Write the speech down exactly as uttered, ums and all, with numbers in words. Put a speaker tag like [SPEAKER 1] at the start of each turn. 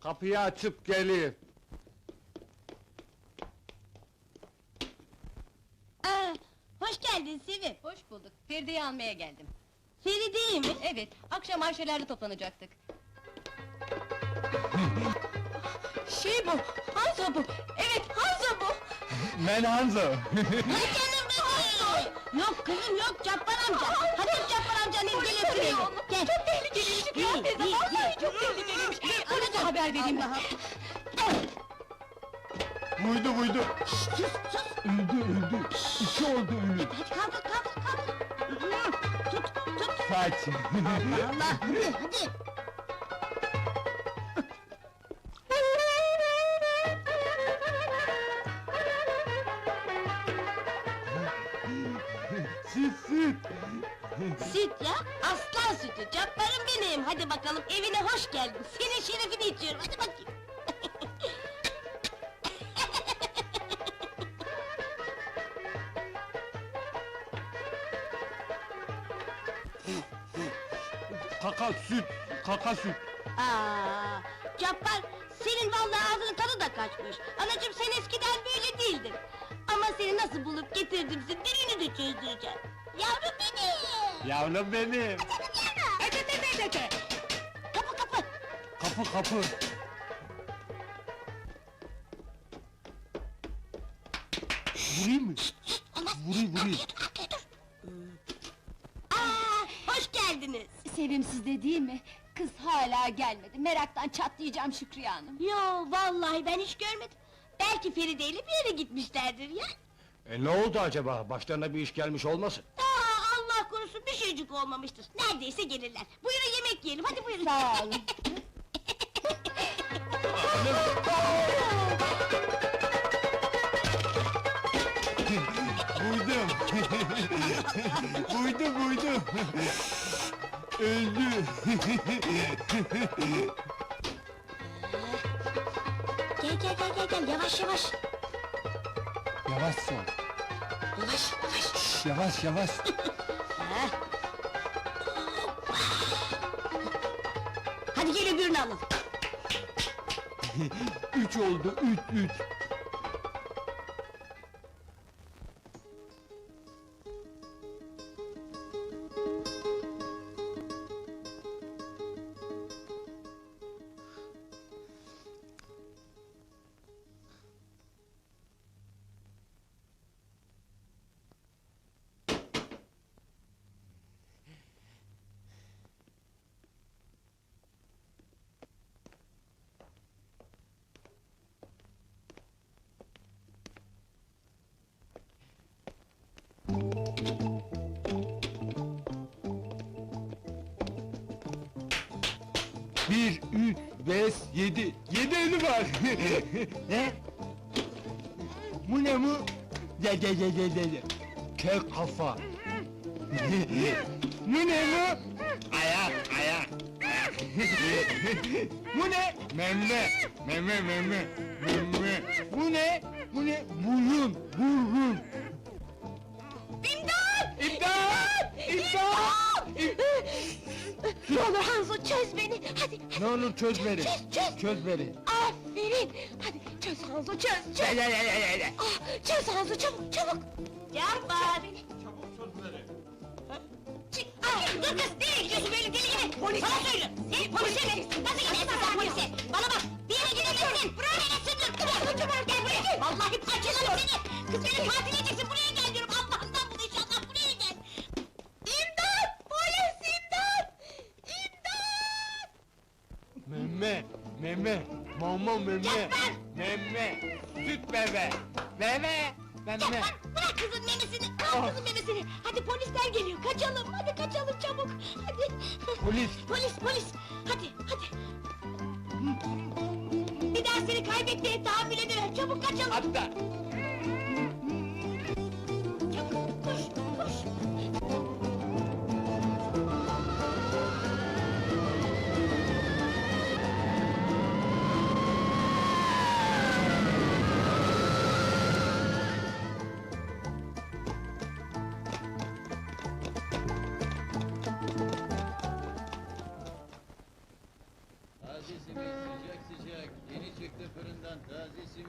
[SPEAKER 1] Kapıyı açıp gelir.
[SPEAKER 2] Aa, hoş geldin Sevim.
[SPEAKER 3] Hoş bulduk. Feride'yi almaya geldim.
[SPEAKER 2] Feride'yi mi?
[SPEAKER 3] Evet, akşam Ayşeler'de toplanacaktık. Şey bu, Hanzo bu! Evet, Hanzo bu!
[SPEAKER 1] Ben Hanzo.
[SPEAKER 2] Ay canım benim! Yok kızım yok, Cabbar amca! Hadi Cabbar amcanın ilgiyle sürelim! Gel!
[SPEAKER 3] Çok tehlikeliymiş Şükran teyze,
[SPEAKER 2] değil,
[SPEAKER 3] vallahi
[SPEAKER 2] değil.
[SPEAKER 3] çok tehlikeliymiş! Polise haber vereyim ben!
[SPEAKER 1] Buydu buydu.
[SPEAKER 2] Sus sus!
[SPEAKER 1] Öldü öldü. İki oldu ölü.
[SPEAKER 2] Hadi kaldır kaldır kaldır! Tut tut!
[SPEAKER 1] Saç.
[SPEAKER 2] Allah Allah! Hadi hadi!
[SPEAKER 1] Süt süt.
[SPEAKER 2] Süt ya, aslan sütü, Cabbarım benim! Hadi bakalım, evine hoş geldin! Senin şerefini içiyorum, hadi bakayım!
[SPEAKER 1] Kaka süt. Kaka süt.
[SPEAKER 2] Aa, Cabbar, senin vallahi ağzının tadı da kaçmış! Anacığım sen eskiden böyle değildin! Ama seni nasıl bulup getirdimse dilini de çözdüreceğim! Yavrum benim!
[SPEAKER 1] Yavrum benim.
[SPEAKER 2] Kapı kapı!
[SPEAKER 1] Kapı kapı. Vurayım mı?
[SPEAKER 2] Olmaz!
[SPEAKER 1] Vurayım vurayım.
[SPEAKER 2] Arkaya dur, arkaya dur! Aa, hoş geldiniz!
[SPEAKER 3] Sevimsiz de değil mi? Kız hala gelmedi, meraktan çatlayacağım Şükriye Hanım!
[SPEAKER 2] Yo, vallahi ben hiç görmedim! Belki Feride ile bir yere gitmişlerdir ya!
[SPEAKER 1] E ne oldu acaba? Başlarına bir iş gelmiş olmasın?
[SPEAKER 2] Aa, Allah korusun bir şeycik olmamıştır! Neredeyse gelirler! Buyurun yemek yiyelim, hadi buyurun!
[SPEAKER 3] Sağ olun!
[SPEAKER 1] Buydum. Buydu buydu. Öldü.
[SPEAKER 2] Gel gel gel gel gel, yavaş yavaş!
[SPEAKER 1] Yavaş sol.
[SPEAKER 2] Yavaş yavaş!
[SPEAKER 1] Yavaş yavaş.
[SPEAKER 2] Ha. Hadi gel öbürünü alalım!
[SPEAKER 1] Üç oldu. Üç üç. Bir, üç, beş, yedi. Yedi ölü var. Ne? Bu ne bu? De de de de de de. Kök kafa. Bu ne bu? Ayak, ayak. Bu ne? Memme, meme, meme, meme. Bu ne? Bu ne? Burun, burun.
[SPEAKER 2] İmdat!
[SPEAKER 1] İmdat! İmdat!
[SPEAKER 2] Ne olur Hanzo çöz beni, hadi!
[SPEAKER 1] Ne olur çöz beni.
[SPEAKER 2] Çöz, çöz!
[SPEAKER 1] Çöz beni.
[SPEAKER 2] Aferin! Hadi çöz Hanzo, çöz, çöz! Ah, çöz Hanzo, çabuk, çabuk! Cabbar!
[SPEAKER 1] Çabuk çöz beni.
[SPEAKER 2] Çık! Ah, dur kız, nereye gidiyorsun böyle deli gibi? Polis! Bana söyle! Sen polise mi? Nasıl gidersin sen polise? Bana bak, bir yere gidemezsin! Buraya gelirsin dur! Kıvır, kıvır, gel buraya! Vallahi parçalarım seni! Kız beni katil edeceksin, buraya gel diyorum! Allah'ından bul inşallah, buraya gel! İmdat! Polis, imdat! İmdat!
[SPEAKER 1] Meme, meme, mama meme,
[SPEAKER 2] Yapma!
[SPEAKER 1] meme, süt bebe, bebe, meme.
[SPEAKER 2] Yapma! Bırak kızın memesini! Al kızın memesini! Hadi polisler geliyor, kaçalım! Hadi kaçalım çabuk! Hadi!
[SPEAKER 1] Polis.
[SPEAKER 2] Polis, polis! Hadi, hadi! Bir daha seni kaybetmeye tahammül edemem, çabuk kaçalım!
[SPEAKER 1] Hatta.
[SPEAKER 2] Çabuk, koş, koş!
[SPEAKER 4] Azizim sıcak sıcak Yeni çıktı fırından taze simit.